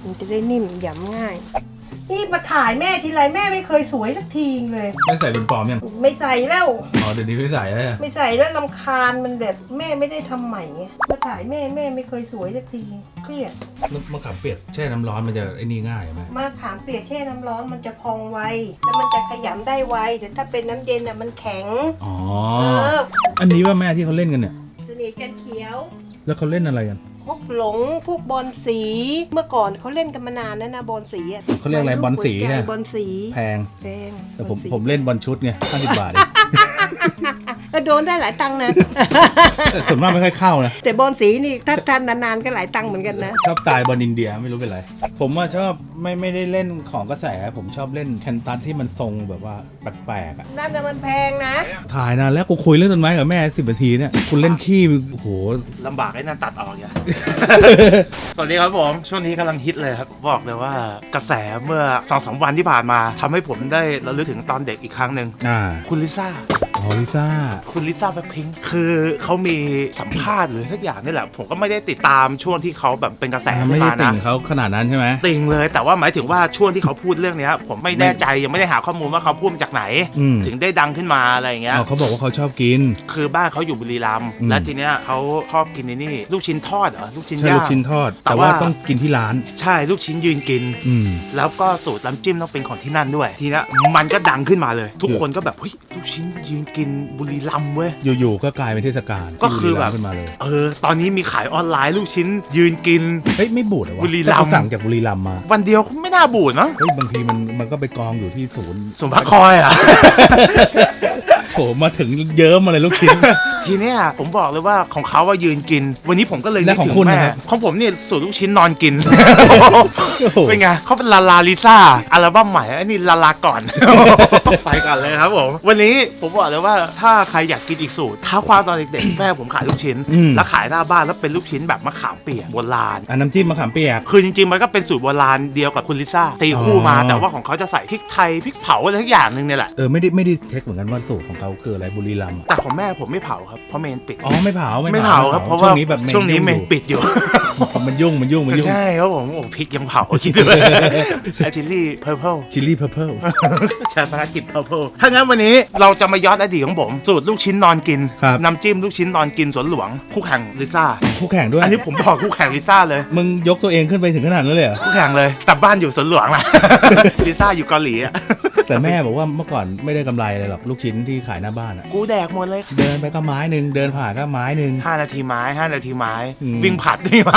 มันจะได้นิ่มหยำง่ายนี่มาถ่ายแม่ทีไรแม่ไม่เคยสวยสักทีเลยไม่ใส่เป็นปลอมยังไม่ใส่แล้วอ๋อเดี๋ยวนี้ไม่ใส่แล้วไม่ใส่แล้วรำคาญมันแบบแม่ไม่ได้ทำใหม่ไงมาถ่ายแม่ไม่เคยสวยสักทีเครียดมะขามเปียกแช่น้ำร้อนมันจะไอ้นี่ง่ายไหมมะขามเปียกแช่น้ำร้อนมันจะพองไวแล้วมันจะขยำได้ไวแต่ถ้าเป็นน้ำเย็นอ่ะมันแข็งอ๋อออันนี้ว่าแม่ที่เขาเล่นกันเนี่ยเสน่ห์จันเขียวแล้วเขาเล่นอะไรกันพวกหลงพวกบอลสีเมื่อก่อนเขาเล่นกันมานานแล้วนะบอลสีอ่ะเขาเรียกอะไรบอลสีหัวใจเนี่ยบอลสีแพงแพงแต่ผมบอลสีผมเล่นบอลชุดไง50 บาทเองก็โดนได้หลายตังค์นะแต่ส่วนมากไม่ค่อยเข้านะแต่บอลสีนี่ถ้าทานนานๆก็หลายตังค์เหมือนกันนะชอบตายบอลอินเดียไม่รู้เป็นไร ผมว่าชอบไม่ได้เล่นของกระแส ผมชอบเล่นแคนตัสที่มันทรงแบบว่าแปลกๆอ่ะนั่นน่ะมันแพงนะถ่ายนานแล้วกูคุยเรื่องต้นไม้กับแม่10 นาทีเนี่ยคุณเล่นขี้โอ้โหลำบากไอ้นั่นตัดออกอย่า สวัสดีครับผม ช่วงนี้กำลังฮิตเลยครับ บอกเลยว่ากระแสเมื่อ 2-3 วันที่ผ่านมาทำให้ผมได้ระลึกถึงตอนเด็กอีกครั้งหนึ่ง คุณลิซ่าอ๋อลิซ่าคุณลิซ่าแบล็คพิงค์คือเขามีสัมภาษณ์หรือสักอย่างนี่แหละ ผมก็ไม่ได้ติดตามช่วงที่เขาแบบเป็นกระแสไม่ขึ้นได้มาติ่นะงเขาขนาดนั้นใช่ไหมติ่งเลยแต่ว่าหมายถึงว่าช่วงที่เขาพูดเรื่องเนี้ยผมไม่แน่ใจยังไม่ได้หาข้อมูลว่าเขาพูดมาจากไหน ถึงได้ดังขึ้นมาอะไรอย่างเงี้ยเขาบอกว่าเขาชอบกินคือบ้านเขาอยู่บุรีรัมย์และทีเนี้ยเขาชอบกินนี่ลูกชิ้นทอดเหรอลูกชิ้นใช่ย่างลูกชิ้นทอดแต่แต่ว่าว่าต้องกินที่ร้านใช่ลูกชิ้นยืนกิน แล้วก็สูตรน้ำจิ้มต้องเป็นของที่นั่นด้วย ทีนี้มันก็ดังขึ้นมาเลย ทุกคนก็แบบเฮ้ยลูกชิ้นยืนกินบุรีรัมย์เว้ยอยู่ๆก็กลายเป็นเทศกาลก็คือแบบที่บุรีรัมย์ขึ้นมาเลยตอนนี้มีขายออนไลน์ลูกชิ้นยืนกินเฮ้ยไม่บูดเหรอวะบุรีรัมย์ก็สั่งจากบุรีรัมย์มาวันเดียวไม่น่าบูดมั้งเฮ้ยบางทีมันก็ไปกองอยู่ที่ศูนย์สมพักคอยอ่ะโหมาถึงเยิ้มมาเลยลูกชิ้นทีเนี้ยผมบอกเลยว่าของเขาว่ายืนกิน วันนี้ผมก็เลยนึกและของถึงคุณแม่นะครับของผมเนี่ยสูตรลูกชิ้นนอนกินโอ้โหเป็นไงเขาเป็นลาลาลิซ่าอัลบั้มใหม่อันนี้ลาลาก่อน ไปก่อนเลยครับผมวันนี้ผมบอกเลยว่าถ้าใครอยากกินอีกสูตรท้าความตอนเด็กๆ แม่ผมขายลูกชิ้น แล้วขายหน้าบ้านแล้วเป็นลูกชิ้นแบบมะขามเปียกโบราณอันน้ำจิ้มมะขามเปียกคือจริงๆมันก็เป็นสูตรโบราณเดียวกับคุณลิซ่าตีคู่มาอ๋อแต่ว่าของเขาจะใส่พริกไทยพริกเผาอะไรทุกอย่างหนึงเนี่ยแหละไม่ได้เช็คเหมือนกันว่าสูตรของเขาคืออะไรบุรีรัมย์อะแต่ของแม่ผมไม่เผาครับเพราะเมนปิดอ๋อไม่เผาไม่เผาครับเพราะว่าช่วงนี้แบบช่วงนี้เมนยุ่ปิดอยู่มันยุ่งใช่ครับผมโอ้พริกยังเผากินด้วย ไอชิลลี่เพอร์เพลชิลลี่เพอร์เพลใช้ภารกิจเพอร์เพลถ้างั้นวันนี้เราจะมาย้อนอดีตของผมสูตรลูกชิ้นนอนกินครับน้ำจิ้มลูกชิ้นนอนกินสวนหลวงคู่แข่งลิซ่าคู่แข่งด้วยอันนี้ผมบอกคู่แข่งลิซ่าเลยมึงยกตัวเองขึ้นไปถึงขนาดนั้นเลยเหรอคู่แข่งเลยแต่บ้านอยู่สวนหลวงนะ ลิซ่าอยู่เกาหลีอะแต่แม่บอกว่าเมื่อก่อนไม่ได้กำไรอะไรหรอกลูกชิ้นที่ขายหน้าบ้านอะกูแดกหมดเลยเดินไปก็ไม้หนึ่งเดินผ่านก็ไม้หนึ่ง 5 นาทีไม้ 5 นาทีไม้อืมวิ่งผัดนี่มา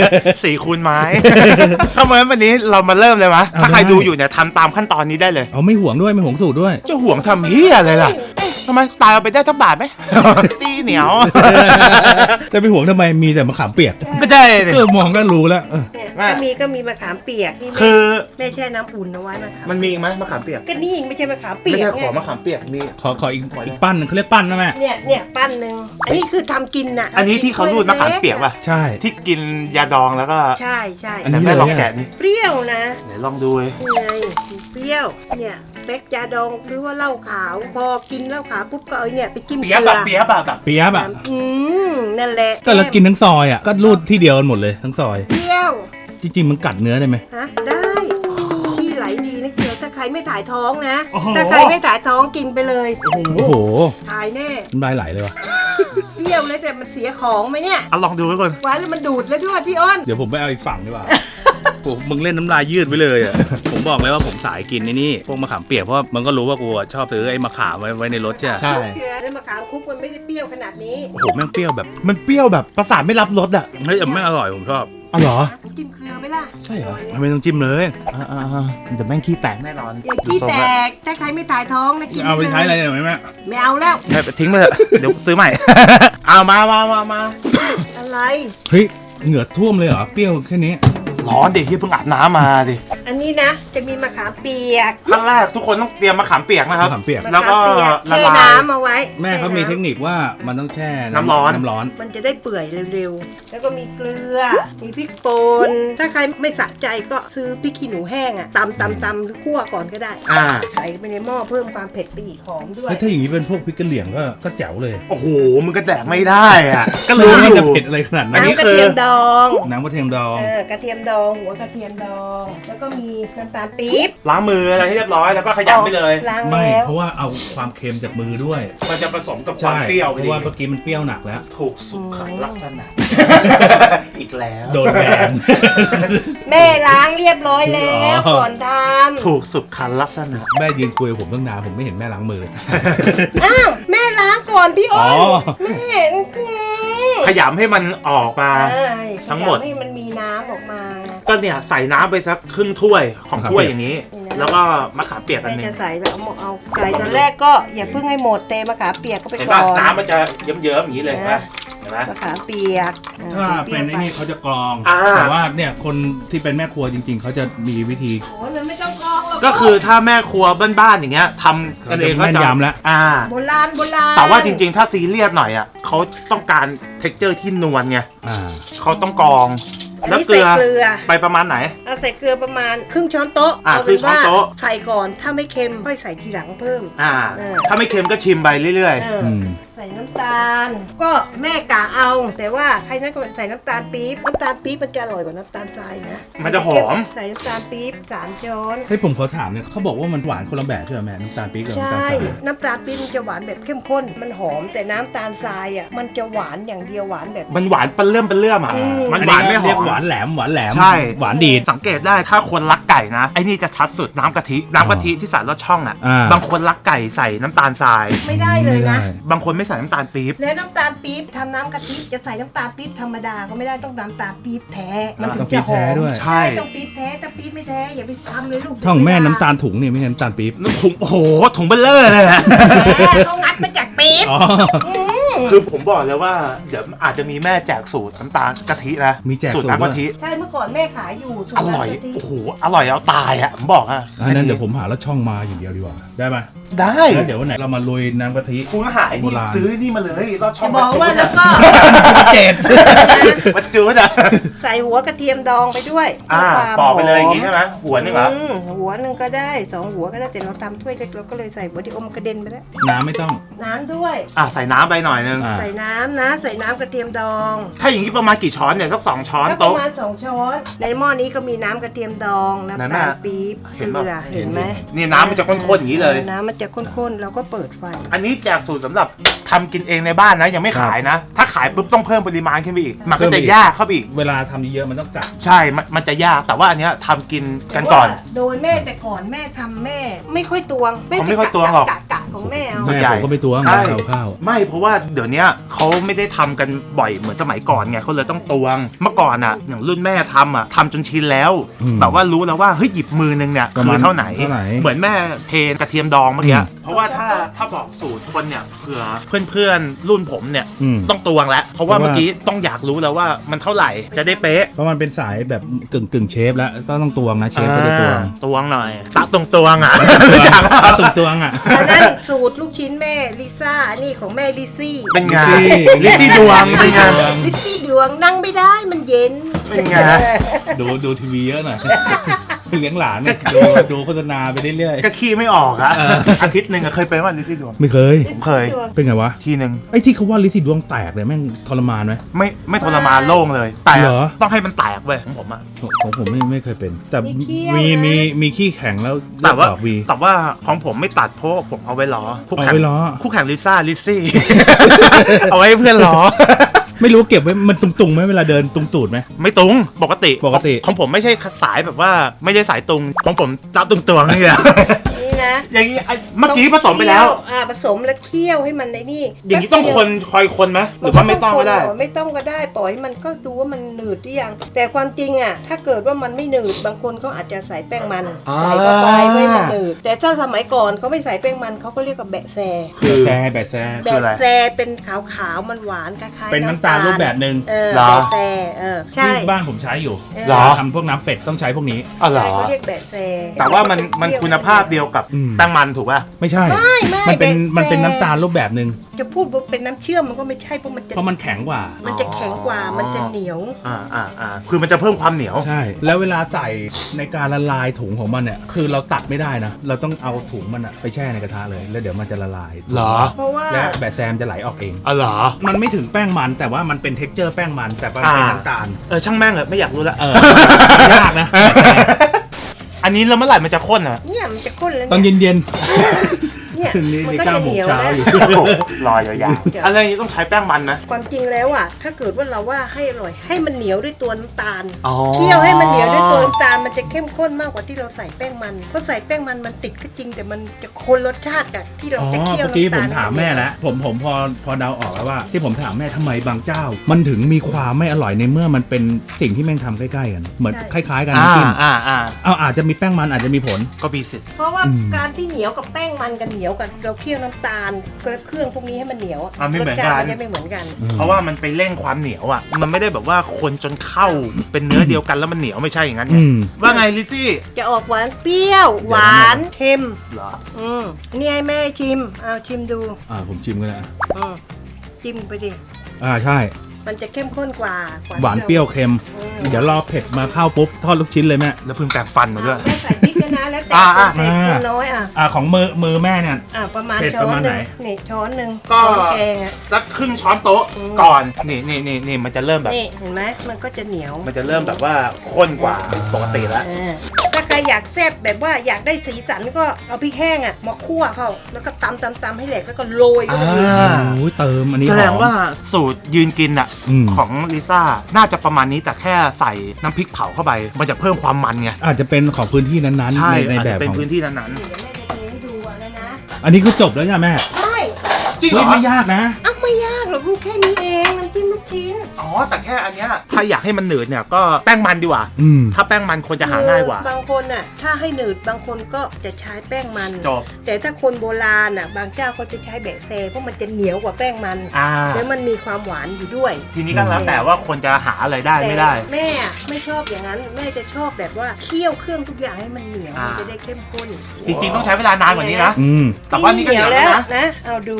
4 คูณไม้ ถ้าเหมือนวันนี้เรามาเริ่มเลยมะเอาถ้าใครได้ดูอยู่เนี่ยทำตามขั้นตอนนี้ได้เลยเอาไม่ห่วงด้วยไม่ห่วงสูตรด้วยจะห่วงทำเฮียอะไรล่ะเอ๊ะทำไมตายเอาไปได้ทั้งบาทไหม ตีเหนียวจะไปห่วงทำไมมีแต่มะขามเปียกก็ใช่ดิมองก็รู้แล้วเนี่ยก็มีมะขามเปียกที่คือแม่แช่น้ำอุ่นเอาไว้มะขามมันมีอีกไหมมะขามเปียกก็นี่ไม่ใช่มะขามเปียไม่กใช่ไงขอมะขามเปียกมีขออีกปั้นหนึ่งเขาเรียกปั้นนะแม่เนี่ยปั้นหนึ่งอันนี้คือทำกินน่ะอันนี้ที่เขารูดมะขามเปียกป่ะใช่ที่กินยาดองแล้วก็ใช่ใช่อันนี้แต่แม่ลองแกะนี่เปรี้ยวนะไหนลองดูเลยนี่ไงเปรี้ยวเนี่ยเป๊กยาดองหรือว่าเหล้าขาวพอกินเหล้าขาวปุ๊บก็เอาเนี่ยไปจิ้มเกเปียบลืแบบเปียบแบบเปียบอ่ะนั่นแหละก็เรากินทั้งซอยอ่ะก็รูดที่เดียวกันหมดเลยทั้งซอยเปรี้ยวจริงๆมันกัดเนื้อได้ไหมฮะได้ที่ไหลดีนะเกียวถ้าใครไม่ถ่ายท้องนะถ้าใครไม่ถ่ายท้องกินไปเลยโอ้โหถ่ายแน่น้ำลายไหลเลยว่ะเปรี้ยวเลยแต่มันเสียของไหมเนี่ยเอาลองดูทุกคนหวานแล้วมันดูดแล้วด้วยพี่อ้นเดี๋ยวผมไปเอาอีกฝั่งดีกว่า โอ้มึงเล่นน้ำลายยืดไปเลยอ่ะ ผมบอกเลยว่าผมสายกินนี่พวกมะขามเปียกเพราะมันก็รู้ว่ากูชอบซื้อไอ้มะขามไว้ในรถใช่เกลือแล้วมะขามคุกมันไม่ได้เปรี้ยวขนาดนี้โอ้โหแม่งเปรี้ยวแบบมันเปรี้ยวแบบประสาทไม่รับรสอ่ะเฮ้ยไม่อร่อยผมชอบอ๋อเหรอจิ้มเกลือไหมล่ะใช่เหรอไม่ต้องจิ้มเลยแต่แม่งขี้แตกแน่นอนอย่าขี้แตกถ้าใครไม่ถ่ายท้องนะกินเอาไปลยใช้อะไรหน่อยไหมแม่ไม่เอาแล้วไปทิ้งไปเถอะ เดี๋ยวซื้อใหม่ เอามาอะไรเฮ้ยเหงื่อท่วมเลยเหรอเปรี้ยวแค่นี้ร้อนดิที่เพิ่งอาบน้ำมาดิออันนี้นะจะมีมะขามเปียกขั้นแรกทุกคนต้องเตรียมมะขามเปียกนะครับมะขามเปียกแล้วก็มะขามเปียกละแช่ลายน้ำเอาไว้แม่เขามีเทคแช่นิคว่ามันต้องแช่น้ำร้อนน้ำร้อนมันจะได้เปื่อยเร็วๆ แล้วก็มีเกลือ มีพริกป่นถ้าใครไม่สะใจก็ซื้อพริกขี้หนูแห้งอะตำหรือคั่วก่อนก็ได้ ใส่ไปในหม้อเพิ่มความเผ็ดไปอีกหอมด้วยเฮ้ยถ้าอย่างนี้เป็นพวกพริกกะเหรี่ยงก็แจ๋วเลยโอ้โหมึงก็แดกไม่ได้อ่ะก็รู้รู้ว่าอจะยู่เผ็ดอะไรขนาดนั้นอันนี้น้ำกระเทียมดองน้ำกระเทียมดองกระเทียมดองหัวกระเทียมดอง แล้วก็มีน้ำตาลปี๊บล้างมืออะไรให้เรียบร้อยแล้วก็ขยำไปเลยล้างไม่แล้วเพราะว่าเอาความเค็มจากมือด้วยมันจะผสมกับความใช่เปรี้ยวเพไปราะดีว่าเมื่อกี้มันเปรี้ยวหนักแล้วถูกสุขลักษณะ อีกแล้วโดนแบนแม่ล้างเรียบร้อยแล้วอ๋อก่อนทำถูกสุขลักษณะแม่ยืนคุยกับผมตั้งนานผมไม่เห็นแม่ล้างมืออ้าวแม่ล้างก่อนพี่อ้นอ๋อแม่ขยำให้มันออกมา ทั้งหมดให้มันมีน้ำออกมาก็เนี่ยใส่น้ำไปสักครึ่งถ้วยของถ้วยอย่างนี้นี่นะแล้วก็มะขามเปียกอันแม่หนึงจะใส่แล้วเอาใส่ตอนแรกก็อย่าเพิ่งให้หมดเตะมะขามเปียกก็ไปเห็นก่ป่ะอนน้ำมันจะเยิ้มๆอย่างนี้เลยเห็นไหมเห็นไหมมะขามเปียกถ้าเป็นไอ้นี่เขาจะกรองอ่าแต่ว่าเนี่ยคนที่เป็นแม่ครัวจริง ๆเขาจะมีวิธีโอ้ยมันไม่ต้องกรองหรอกก็คือถ้าแม่ครัวบ้านๆอย่างเงี้ยทำกันเองก็แม่นจะยำแล้วโบราณโบราณแต่ว่าจริงๆ ถ้าซีเรียสหน่อยอ่ะเขาต้องการเท็กเจอร์ที่นวลไงอ่าเขาต้องกรองอันแล้วนี้เกลืใส่อเกลือไปประมาณไหนเอาใส่เกลือประมาณครึ่งช้อนโต๊ะอ่าเอาครึ่เป็นงช้อนว่าโต๊ะใส่ก่อนถ้าไม่เค็มค่อยใส่ทีหลังเพิ่มถ้าไม่เค็มก็ชิมไปเรื่อยเอออืมใส่น้ำตาล ก็แม่กะเอา แต่ว่าใครนั่นก็ใส่น้ำตาลปี๊บน้ำตาลปี๊บมันจะอร่อยกว่าน้ำตาลทรายนะมันจะหอมใส่น้ำตาลปี๊บ3 ช้อนเฮ้ยผมขอถามเนี่ยเขาบอกว่ามันหวานคนละแบบใช่ไหมแม่น้ำตาลปี๊บกับใชน้ำตาล่ ทรายน้ำตาลปี๊บมันจะหวานแบบเข้มข้น มันหอมแต่น้ำตาลทรายอ่ะมันจะหวานอย่างเดียวหวานแบบๆ มันหวานเปรี้ยมอ่ะอืมมันหวานไม่หอเรียกมหวานแหลมหวานแหลมใช่หวานดีดสังเกตได้ถ้าคนรักไก่นะไอ้นี่จะชัดสุดน้ำกะทิที่ใส่รสช่องอ่ะอ่าบางคนรักไก่ใส่น้ำตาลทรายไม่ได้เลยนะบางคนไม่ใส่น้ำตาลปี๊บแล้วน้ำตาลปี๊บทำน้ำกะทิจะใส่น้ำตาลปี๊บธรรมดาก็ไม่ได้ต้องน้ำตาลปี๊บแท้ มันถึงจะหอมต้องปี๊บแท้ด้วยใช่ต้องปี๊บแท้ถ้าปี๊บไม่แท้อย่าไปทำเลยลูกท่องแม่น้ำตาลถุงนี่ไม่ใช่น้ำตาลปี๊บถุงโอ้โหถุงเบลเลอร์เลยอะต้องงัดมาจากปี๊บอ๋อคือผมบอกเลยว่าเดี๋ยวอาจจะมีแม่แจกสูตรน้ำตาลกะทินะมีแจกสูตรน้ำกะทิใช่เมื่อก่อนแม่ขายอยู่สูตอน้ำร่อยกะทิโอ้โหอร่อยเอาตายอ่ะผมบอกอ่ะอันนั้นเดี๋ยวผมหาแล้วช่องมาอย่างเดียวดีกว่าได้ไหมได้แล้วเดี๋ยววันไหนเรามาลุยน้ำกะทิคุณก็หายนี่โบราณซื้อนี่มาเลยรอดช่อจะงบอกว่าแล้วก็เจ็ดวัดจูดอ่ะใส่หัวกระเทียมดองไปด้วยอ่าพื่ความปอกไปเลยอย่างงี้หใช่ไหมหัวนึงเหรอหัวหนึ่งก็ได้2 หัวก็ได้แต่เราทำถ้วยเล็กเราก็เลยใส่หัวที่อมกระเด็นไปแล้วน้ำไม่ต้องน้ำด้วยอ่ะใส่น้ำไปหน่อยนึงอ่าใส่น้ำนะใส่น้ำกระเทียมดองถ้าอย่างนี้ประมาณกี่ช้อนเนี่ยสัก2 ช้อนก็ปโต๊ะระมาณ2 ช้อน ในหม้อนี้ก็มีน้ำกระเทียมดองน้ำนั่นตาน่ะลปี๊บเห็เกนลืปะอเห็นไหมนี่น้ำมันจะข้นๆอย่างนี้เลยน้ำมันจะข้นๆเราก็เปิดไฟอันนี้แจกสูตรสำหรับทำกินเองในบ้านนะยังไม่ขายนะ ถ้าขายปุ๊บต้องเพิ่มปริมาณขึ้นไปอีก มันก็จะยากเข้าไปอีกเวลาทำเยอะๆมันต้องกะใช่มันจะยากแต่ว่าอันเนี้ยทำกินกันก่อนโดยแม่แต่ก่อนแม่ทำแม่ไม่ค่อยตวงผมไม่ค่อยตวงหรอกกะของแม่เอาส่วนแม่ใหญ่ผมก็ไปตวงใช่ข้าวไม่เพราะว่าเดี๋ยวเนี้ยเขาไม่ได้ทำกันบ่อยเหมือนสมัยก่อนไงเขาเลยต้องตวง เมื่อก่อนอ่ะอย่างรุ่นแม่ทำอ่ะทำจนชินแล้ว แบบว่ารู้แล้วว่าเฮ้ยหยิบมือนึงเนี่ยประคืมาอณเท่าไหนเท่าไหร่เหมือนแม่เทกระเทียมดองเมื่อกี้อืมเพราะว่าถ้าบอกสูตรคนเนี่ยเผื่อเพื่อนๆรุ่นผมเนี่ยอืมต้องตวงแล้วเพราะว่าเพราะว่าเมื่อกี้ต้องอยากรู้แล้วว่ามันเท่าไหร่จะได้เป๊ะเพราะมันเป็นสายแบบกึ่งเชฟแล้วต้องตวงนะเชฟก็จะตวงตวงหน่อยตะตวงอ่ะตวงอ่ะอันนั้นสูตรลูกชิ้นแม่ลิซ่าอันนี้ของแม่ลิซี่เป็นไงลิลิซซี่ซี่ดวงเป็นไงลิซี่ดวงนั่งไม่ได้มันเย็นเป็นไงดูทีวีเยอะหน่อยเลี้ยงหลานเนี่ยดูโฆษณาไปเรื่อยก็ขี้ไม่ออกอะอาทิตย์หนึ่งอะเคยเป็นว่าลิซี่ดวงๆไม่เคยผมเคยเป็นไงวะทีหนึ่งไอ้ที่เขาว่าลิซี่ดวงแตกเลยแม่งทรมานไหมไม่ทรมานโล่งเลย แต่เหรอต้องให้มันแตกเว้ยของผมอะของผมไม่เคยเป็น แต่มีเขี้ยวมีขี้แข็งแล้วแต่ว่าเลือดออกวีแต่ว่าของผมไม่ตัดเพราะว่าผมเอาไว้ล้อคู่เอาแข่งไว้ล้อคู่แข่งลิซ่าลิซี่ เอาไว้ให้เพื่อนล้อไม่รู้เก็บไว้มันตุงๆไหมเวลาเดินตุงตูดไหมไม่ตุงปกติปกติของผมไม่ใช่สายแบบว่าไม่ได้สายตุงของผมตาตุงนี่แหละนี่นะนะอย่างนี้เมื่อกี้ผสมไปแล้วผสมแล้วเคี่ยวให้มันในนี่อย่างนี้ต้องคอยคนไหมหรือว่าไม่ต้องก็ได้ไม่ต้องก็ได้ปล่อยให้มันก็ดูว่ามันหนืดหรือยังแต่ความจริงอ่ะถ้าเกิดว่ามันไม่หนืดบางคนเขาอาจจะใส่แป้งมันใส่เข้าไปไม่ให้มันหนืดแต่ถ้าสมัยก่อนเขาไม่ใส่แป้งมันเขาก็เรียกว่าแบะแซคือแบะแซแบะแซเป็นขาวๆมันหวานคล้ายๆเป็นน้ำตาลรูปแบบหนึ่งเหรอแบะแซใช่ที่บ้านผมใช้อยู่เหรอทำพวกน้ำเป็ดต้องใช้พวกนี้อ๋อเหรอเขาเรียกแบะแซแต่ว่ามันคุณภาพเดียวกับอืมแป้งมันถูกป่ะไม่ใช่ไม่มันเป็นน้ำตาลรูปแบบหนึ่งจะพูดว่าเป็นน้ำเชื่อมมันก็ไม่ใช่เพราะมันจะเพราะมันแข็งกว่ามันจะแข็งกว่ามันจะเหนียวคือมันจะเพิ่มความเหนียวใช่ แล้วเวลาใส่ในการละลายถุงของมันเนี่ยคือเราตัดไม่ได้นะเราต้องเอาถุงมันอะไปแช่ในกระทะเลยแล้วเดี๋ยวมันจะละลายเหรอเพราะว่าและแบะแซมจะไหลออกเองอ๋อเหรอมันไม่ถึงแป้งมันแต่ว่ามันเป็นเท็กเจอร์แป้งมันแต่มันเป็นน้ำตาลช่างแม่งเหอะไม่อยากรู้ละยากนะอันนี้แล้วเมื่อไหร่มันจะข้นอ่ะเนี่ยมันจะข้นแล้วตอนเนี่ยเย็นเนี่ยถึงนี้มันนี่ก็ 9 จะโมเหงนียวเช้านะอยู่รอยาวๆอะไรอย่างนี้ต้องใช้แป้งมันนะความจริงแล้วอ่ะถ้าเกิดว่าเราว่าให้อร่อยให้มันเหนียวด้วยตัวน้ำตาลอ๋อเคี่ยวให้มันเหนียวด้วยตัวน้ำตาลมันจะเข้มข้นมากกว่าที่เราใส่แป้งมันเพราะใส่แป้งมันติดก็จริงแต่มันจะคนรสชาติกับที่เราอ๋อจะเคี่ยวเมื่อกี้น้ำผตาลมถามแม่แล้วผมพอเดาออกแล้วว่า ที่ผมถามแม่ทำไมบางเจ้า มันถึงมีความไม่อร่อยในเมื่อมันเป็นสิ่งที่แม่งทำใกล้ๆกันเหมือนคล้ายๆกันน้ำจิ้มเอาอาจจะมีแป้งมันอาจจะมีผลก็มีสิทธิ์เพราะว่าอืมการที่เหนียวกับแป้งมันกันเหนียวกับเราเคี่ยวน้ำตาลกับเครื่องพวกนี้ให้มันเหนียวอะไม่เหมือนรสกัชาตินมันจะไม่เหมือนกันเพราะว่ามันไปเร่งความเหนียวอ่ะ มันไม่ได้แบบว่าคนจนเข้าเป็นเนื้อเดียวกันแล้วมันเหนียวไม่ใช่อย่างนั้นไงอืมว่าไงลิซซี่จะออกหวานเปรี้ยว หวานเค็มเหรอนี่ให้แม่ชิมเอาชิมดูผมชิมกันนะอืมจิ้มไปดิใช่มันจะเข้มข้นกว่าหวานเปรี้ยวเค็ม เดี๋ยวรอเผ็ดมาเข้าปุ๊บทอดลูกชิ้นเลยแม่แล้วเพิ่งแปรงฟันมาด้วยแม่ใส่พริกด้วยนะแล้วแต่อ่าคนเผ็ดคนน้อยของมือแม่เนี่ยประมาณเผ็ดช้อประนมาณหไหนนึ่งนี่ช้อนหนึ่งก็ช้อนแกงอ่ะสักครึ่งช้อนโต๊ะอืมก่อน นี่มันจะเริ่มแบบนี่เห็นไหมมันก็จะเหนียวมันจะเริ่มแบบว่าข้นกว่าปกติแล้วถ้าใครอยากแซ่บแบบว่าอยากได้สีสันก็เอาพริกแห้งมาคั่วเข้าแล้วก็ตำให้แหลกแล้วก็โรยเข้าไปโอ้ยเติมอันนี้แสหดอง มว่าสูตรยืนกินอ่ะอืมของลิซ่าน่าจะประมาณนี้แต่แค่ใส่น้ำพริกเผาเข้าไป มันจะเพิ่มความมันไงอาจจะเป็นของพื้นที่นั้นใช่ๆในอาจแบจะบเป็นของพื้นที่นั้นเดี๋ยวแม่จะเทให้ดูแล้วนะอันนี้คือจบแล้วใช่ไหมแม่ใช่ๆจริงเหรเฮ้ยอไม่ยากนะไม่ยากหรอกลูกแค่นี้เองน้ำจิ้มลูกชิ้นอ๋อแต่แค่อันเนี้ยถ้าอยากให้มันหนืดเนี่ยก็แป้งมันดีกว่าอืมถ้าแป้งมันควรจะหาง่ายกว่าบางคนถ้าให้หนืดบางคนก็จะใช้แป้งมันจบแต่ถ้าคนโบราณบางเจ้าเขาจะใช้แบะแซเพราะมันจะเหนียวกว่าแป้งมัน แล้วมันมีความหวานอยู่ด้วยทีนี้ก็แล้วแต่ว่าคนจะหาอะไรได้ไม่ได้แต่แม่ไม่ชอบอย่างนั้นแม่จะชอบแบบว่าเคี่ยวเครื่องทุกอย่างให้มันเหนียวมันจะได้เข้มข้นจริงๆต้องใช้เวลานานกว่านี้นะอืมแต่ว่านี่ก็เหนียวแล้วนะเอาดู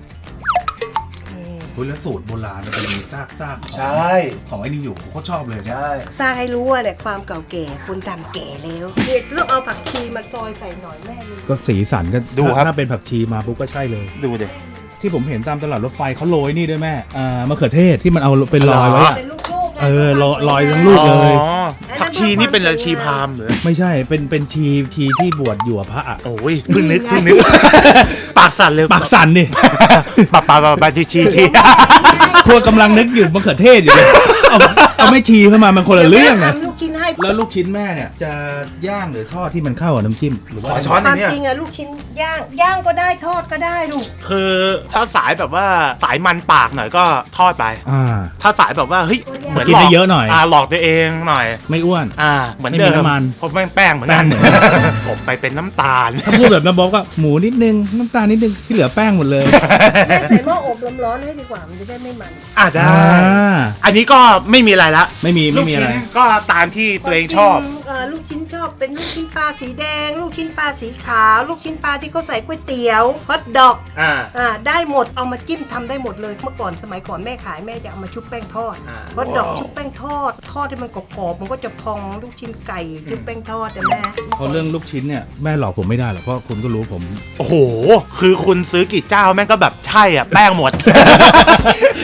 คุณแล้วสูตรโบราณมันจะมีซากของใช่ของไอ้นี่อยู่ผมก็ชอบเลยเนี่ยใช่สร้างให้รู้ว่าเนี่ยความเก่าแก่คนทำแก่แล้วเด็กต้องเอาผักชีมาซอยใส่หน่อยแม่เลยก็สีสันก็ดูครับถ้าเป็นผักชีมาปุ๊บก็ใช่เลยดูดิที่ผมเห็นตามตลาดรถไฟเขาโรยนี่ด้วยแม่มะเขือเทศที่มันเอาเป็นรอยไว้อะเป็นลูกๆไงลอยทั้งลูกเลยอ๋อผักชีนี่เป็นอะไรชีพราหมณ์เหรือไม่ใช่เป็นชีที่บวชอยู่กับพระอะโอ้ยเพิ่งนึกปากสั่นเลยปากสั่นนี่ปากชีพวกกำลังนึกอยู่มะเขือเทศอยู่เลยเอาไม่ชีเข้ามามันคนละเรื่องดี๋ยวนะแม่ทำลูกชิ้นให้แล้วลูกชิ้นแม่เนี่ยจะย่างหรือทอดที่มันเข้ากับน้ำจิ้มหรือว่าขอช้อนความจริงลูกชิ้นย่างก็ได้ทอดก็ได้ลูกคือถ้าสายแบบว่าสายมันปากหน่อยก็ทอดไป ถ้าสายแบบว่าเฮ้ยเหมือนกินได้เยอะหน่อยหลอกตัวเองหน่อยไม่อ้วนเหมือนไม่มีเดิมน้ำมันเพราะแป้งเหมือนกันแป้งเหมือนผมไปเป็นน้ำตาลถ้าพูดแบบน้ำบอกก็หมูนิดนึงน้ำตาลนิดนึงที่เหลือแป้งหมดเลยแม่ใส่หม้ออบลมร้อนให้ดีกว่ามันจะได้ไม่มันได้ อันนี้ก็ไม่มีอะไรละไม่มีลูกอะไรชิ้นก็ตามที่ตัวเองชอบลูกชิ้นชอบเป็นลูกชิ้นปลาสีแดง ลูกชิ้นปลาสีขาว ลูกชิ้นปลาที่เขาใส่ก๋วยเตี๋ยวฮอทดอกได้หมดเอามาจิ้มทำได้หมดเลยเมื่อก่อนสมัยก่อนแม่ขายแม่จะเอามาชุบแป้งทอดฮอทดอกชุบแป้งทอดที่มันกรอบๆมันก็จะพองลูกชิ้นไก่ชุบแป้งทอดแต่แม่เพราะเรื่องลูกชิ้นเนี่ยแม่หลอกผมไม่ได้หรอกเพราะคุณก็รู้ผมโอ้โห คือคุณซื้อกี่เจ้าแม่งก็แบบใช่อ่ะ แป้งหมดแ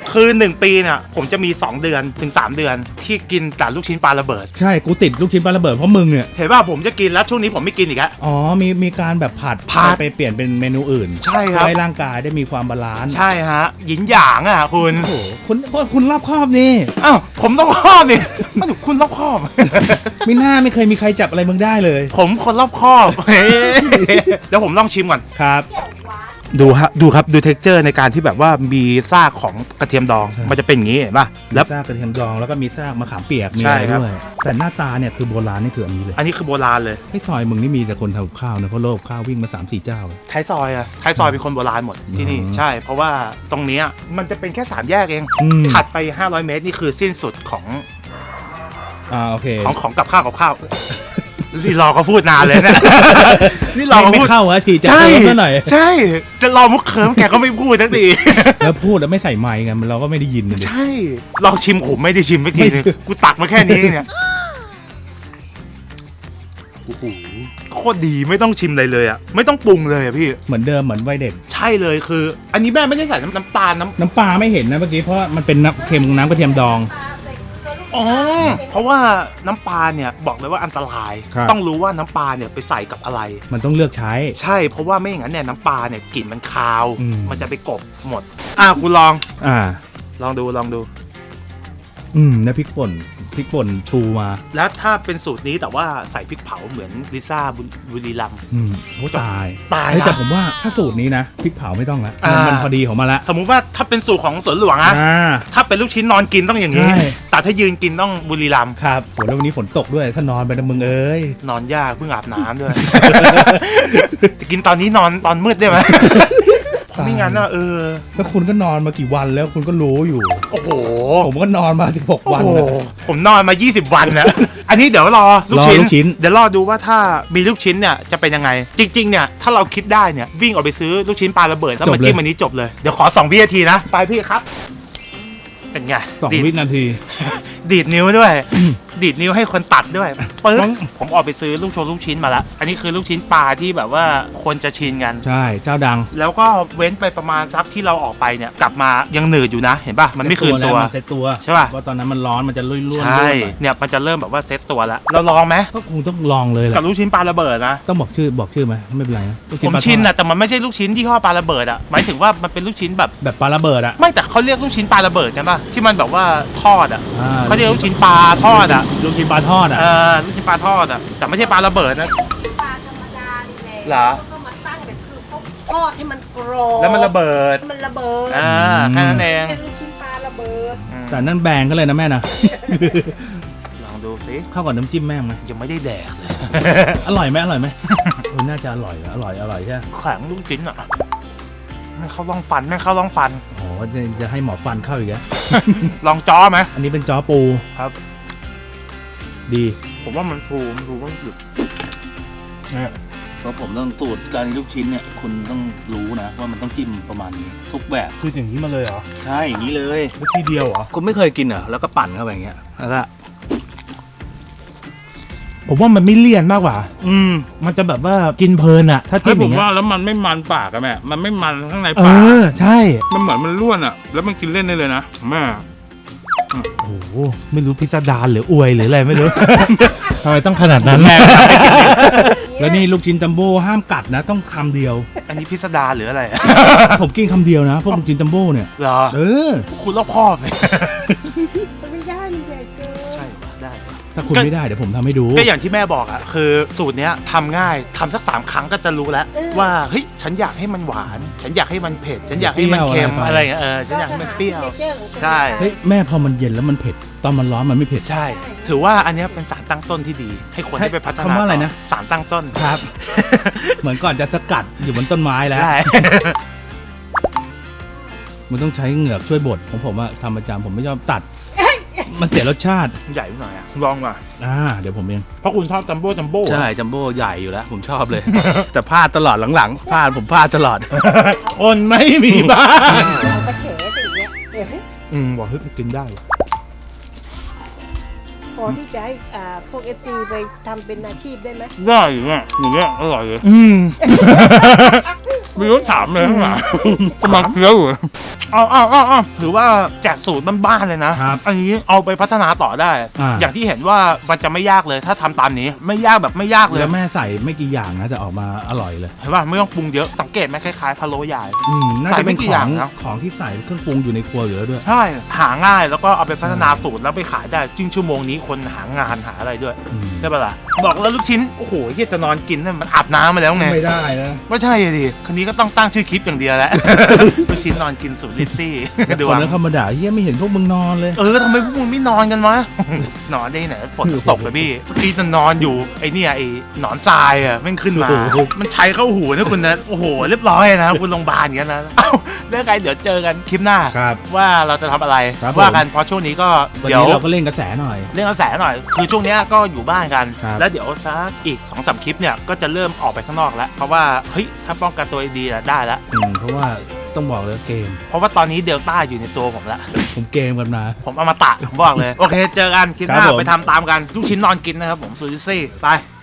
คือ1ปีเนี่ยผมจะมี2เดือนถึง3เดือนที่กินแต่ลูกชิ้นปลาระเบิดใช่กูติดลูกชิ้นปลาระเบิดเพราะมึงเนี่ยเห็นป่ะผมจะกินแล้วช่วงนี้ผมไม่กินอีกแล้วอ๋อมีการแบบผัดไปเปลี่ยนเป็นเมนูอื่นใช่ครับให้ร่างกายได้มีความบาลานซ์ใช่ฮะหยินหยางอ่ะคุณโอ้โหคุณรอบคอบนี่อ้าวผมต้องครอบนี่ไม่ถูกคุณรอบคอบไม่น่าไม่เคยมีใครจับอะไรมึงได้เลยผมคนรอบคอบ เดี๋ยวผมลองชิมก่อนครับดูครับดูเท็กเจอร์ในการที่แบบว่ามีซากของกระเทียมดองใช่มันจะเป็นอย่างนี้เห็นป่ะแล้แล้ว วซากกระเทียมดองแล้วก็มีซากมะขามเปียกมีใช่อะไรครับด้วยแต่หน้าตาเนี่ยคือโบราณนี่คืออันนี้เลยอันนี้คือโบราณเลยให้ซอยมึงนี่มีแต่คนทำกับข้าวนะเพราะโลกข้าววิ่งมา 3-4 เจ้าเลยท้ายซอยอะท้ายซอยเป็นคนโบราณหมดที่นี่อืมใช่ เพราะว่าตรงเนี้ยมันจะเป็นแค่3แยกเองอืมถัดไป500 เมตรนี่คือสิ้นสุดของโอเคของกับข้าวนี่รอเขาพูดนานเลยเนะ นี่รอเขาไม่พูดเข้าอะทีจะใช่เติมซะหน่อยใช่จะรอมุกเคิร์มแกก็ไม่พูดทั้งทีแล้วพูดแล้วไม่ใส่ไมค์ไงมันเราก็ไม่ได้ยินเลยใช่ลองชิมผมไม่ได้ชิมเมื่อกี้นึงกูตักมาแค่นี้เนี่ยโอ้โหโคตรดีไม่ต้องชิมอะไรเลยอะไม่ต้องปรุงเลยอะพี่เหมือนเดิมเหมือนวัยเด็กใช่เลยคือ อันนี้แม่ไม่ได้ใส่น้ำตาลน้ำปลาไม่เห็นนะเมื่อกี้เพราะว่ามันเป็นน้ำเค็มน้ำกระเทียมดองอ๋อเพราะว่าน้ำปลาเนี่ยบอกเลยว่าอันตรายครับต้องรู้ว่าน้ำปลาเนี่ยไปใส่กับอะไรมันต้องเลือกใช้ใช่เพราะว่าไม่อย่างนั้นเนี่ยน้ำปลาเนี่ยกลิ่นมันคาวอืมมันจะไปกลบหมดกูลอง ลองดูนะพริกป่นชูมาแล้วถ้าเป็นสูตรนี้แต่ว่าใส่พริกเผาเหมือนลิซ่าบุรีรัมย์โอ้ตายตายเฮ้ยละแต่ผมว่าถ้าสูตรนี้นะพริกเผาไม่ต้องละอ่ามัมันพอดีของมาละสมมุติว่าถ้าเป็นสูตรของสวนหลวงอะ ถ้าเป็นลูกชิ้นนอนกินต้องอย่างนี้ใช่แต่ถ้ายืนกินต้องบุรีรัมย์ครับโหแล้ววันนี้ฝนตกด้วยถ้านอนไปนะมึงเอ้ยนอนยากเพิ่งอาบน้ำด้วย จะกินตอนนี้นอนตอนมืดได้ไหม เพราะไม่งั้นอะแล้วคุณก็นอนมากี่วันแล้วคุณก็รู้อยู่โอ้โหผมก็นอนมา16วันโอ้นะโหผมนอนมา 20 วันแล้ว อันนี้เดี๋ยวรอลูกชิ้รอลูกชิ้นเดี๋ยวรอดูว่าถ้ามีลูกชิ้นเนี่ยจะเป็นยังไง จริงๆเนี่ยถ้าเราคิดได้เนี่ยวิ่งออกไปซื้อลูกชิ้นปลาระเบิดแล้วมาจิ้มอันนี้จบเลย เดี๋ยวขอ2 วินาทีนะ ไปพี่ครับ เป็นไง 2 วินาทีดีดนิ้วด้วย ดีดนิ้วให้คนตัดด้วยปึ๊บผมออกไปซื้อลูกชิ้นมาแล้ว อันนี้คือลูกชิ้นปลาที่แบบว่าคนจะชินกันใช่เจ้าดังแล้วก็เว้นไปประมาณสักที่เราออกไปเนี่ยกลับมายังหนืดอยู่นะ เห็นป่ะมันไม่คืนตัวเซ็ตตัวใช่ป่ะเพราะตอนนั้นมันร้อนมันจะลุ่ยๆใช่เนี่ยมันจะเริ่มแบบว่าเซตตัวแล้วเราลองไหมก็คงต้องลองเลยแหละกับลูกชิ้นปลาระเบิดนะต้องบอกชื่อไหมไม่เป็นไรนะลูกผมปลาทอดชินนะแต่มันไม่ใช่ลูกชิ้นที่ห่อปลาระเบิดอ่ะหมายถึงว่ามันเป็นลูกชิ้นแบบแบบปลาระเบิดอะไม่แต่เขาเรียกลูกชิ้นปลาระเบิดกันป่ะที่มันแบบว่าทอดอ่ะอ่าเขาเรียกลูกชิ้นปลาทอดอ่ะลูกชิ้นปลาทอดอะลูกชิ้นปลาทอดอ่ะแต่ไม่ใช่ปลาระเบิดนะปลาธรรมดานี่แหละเหรอก็มาตั้งแบบคือเขาทอดให้มันกรอบแล้วมันระเบิดให้มันระเบิดแค่นั้นเองแค่ลูกชิ้นปลาระเบิดแต่นั่นแบงก็เลยนะแม่นะลองดูสิเข้ากับน้ำจิ้มแม่งไหมยังไม่ได้แดกเลยอร่อยไหมน่าจะอร่อยอร่อยใช่ไหมแข็งลูกชิ้นอ่ะไม่เข้าร่องฟันโอ้จะให้หมอฟันเข้าอีกแล้วลองจ้อไหมอันนี้เป็นจ้อปูครับดีผมว่ามันฟูว่าหยุดเพราะผมต้องสูตรการลูกชิ้นเนี่ยคุณต้องรู้นะว่ามันต้องจิ้มประมาณนี้ทุกแบบคืออย่างนี้มาเลยเหรอใช่อย่างนี้เลยวิธีเดียวเหรอคุณไม่เคยกินเหรอแล้วก็ปั่นเข้าไปอย่างเงี้ยแล้วก็ผมว่ามันไม่เลี่ยนมากกว่ามันจะแบบว่ากินเพลินอะถ้าจิ้มอย่างเงี้ยแล้วมันไม่มันปากอะแม่ มันไม่มันข้างในเอปากอใช่มันเหมือนมันร่วนอะแล้วมันกินเล่นได้เลยนะแม่โอ้โหไม่รู้พิสดารหรืออวยหรืออะไรไม่รู้ ทำไมต้องขนาดนั้น แล้วนี่ลูกชิ้นจัมโบ้ห้ามกัดนะ ต้องคำเดียวอันนี้พิสดารหรืออะไรผมกินคำเดียวนะพวกลูกชิ้นจัมโบ้เนี่ยเหรอเออคุณรอบคอบเลยไม่ได้มันใหญ่เกินใช่ปะได้ปะถ้าคุณไม่ได้เดี๋ยวผมทำให้ดูก็อย่างที่แม่บอกอ่ะคือสูตรเนี้ยทำง่ายทำสัก3 ครั้งก็จะรู้แล้ว ว่าเฮ้ยฉันอยากให้มันหวาน ฉันอยากให้มันเผ็ด ฉันอยากให้มันเค็มอะไรเงี้ยฉันอยากให้มันเปรี้ยว ใช่เฮ้ยแม่พอมันเย็นแล้วมันเผ็ดตอนมันร้อนมันไม่เผ็ดใช่ ถือว่าอันเนี้ยเป็นสารตั้งต้นที่ดี ให้คนได้ไปพัฒนาคำว่าอะไรนะสารตั้งต้นครับ เหมือนก่อนจะสกัดอยู่บนต้นไม้แล้วใช่มันต้องใช้เหงือกช่วยบดของผมอะทำประจำผมไม่ชอบตัด มันเสียรสชาติใหญ่หน่อยอ่ะลองมาเดี๋ยวผมเองเพราะคุณชอบจัมโบ้ใช่จัมโบ้ใหญ่อยู่แล้ว ผมชอบเลย แต่พลาดตลอดหลังๆผมพลาดตลอดอนไม่มีบ้างเราก็เฉสิเนี่ยเดี๋ยวให้บอกให้กินได้พอที่จะให้พวกFTไปทำเป็นอาชีพได้ไหมได้อยู่แม่อย่างเงี้ยอร่อยเลยไม่รู้ถามเลยข้างหลังกำลังเคี้ยวอยู่เอาถือว่าแจกสูตรบ้านๆเลยนะครับ อันนี้เอาไปพัฒนาต่อได้ อย่างที่เห็นว่ามันจะไม่ยากเลยถ้าทำตามนี้ไม่ยากแบบไม่ยากเลยแล้วแม่ใส่ไม่กี่อย่างนะแต่ออกมาอร่อยเลยเห็นป่ะไม่ต้องปรุงเยอะสังเกตไหมคล้ายๆพะโล้ใหญ่น่าใส่จะไม่เป็นกี่ขอย่าอง งนะของที่ใส่เครื่องปรุงอยู่ในครัวอยู่แล้วด้วยใช่หาง่ายแล้วก็เอาไปพัฒนาสูตรแล้วไปขายได้จริงชั่วโมงนี้คนหางานหาอะไรด้วย ใช่ปะล่ะบอกแล้วลูกชิ้นโอ้โหเฮียจะนอนกินนั่นมันอาบน้ำมาแล้วไงไม่ได้นะไม่ใช่ดิคันนี้ก็ต้องตั้งชื่อคลิปอย่างเดียวแหละ ลูกชิ้นนอนกินสูตรลิซซี่ ดูคนนั้นเขามาด่าเฮียไม่เห็นพวกมึงนอนเลยทำไมพวกมึงไม่นอนกันวะ นอนได้ไหนฝนตกเลยพี่เมื่อกี้จะนอนอยู่ไอ้เนี่ยไอ้หนอนทรายอ่ะแม่งขึ้นมาโอ้โหมันใช้เข้าหูนะคุณนะโอ้โหเรียบร้อยนะคุณโรงพยาบาลอย่างนั้นนะเอ้าเรื่องไงเดี๋ยวเจอกันคลิปหน้าครับว่าเราจะทำอะไรครับว่ากันเพราะช่วงนี้ก็วันเดี๋ยวนี้เราก็เล่นกระแสหน่อยเรื่องกระแสหน่อย คือช่วงเนี้ยก็อยู่บ้านกันครับแล้วเดี๋ยวสักอีก 2-3 คลิปเนี่ย ก็จะเริ่มออกไปข้างนอกแล้ว เพราะว่า เฮ้ย ถ้าป้องกันตัวดีๆได้แล้วเพราะว่าต้องบอกเลยเกมเพราะว่าตอนนี้เดลต้าอยู่ในตัวผมแล้วผมเกมกันมาผมเอามาตะผมบอกเลย โอเค เจอกันคลิปหน้าครับผมไปทำตามกันลูกชิ้นนอนกินนะครับผมซูซิซี่ ไป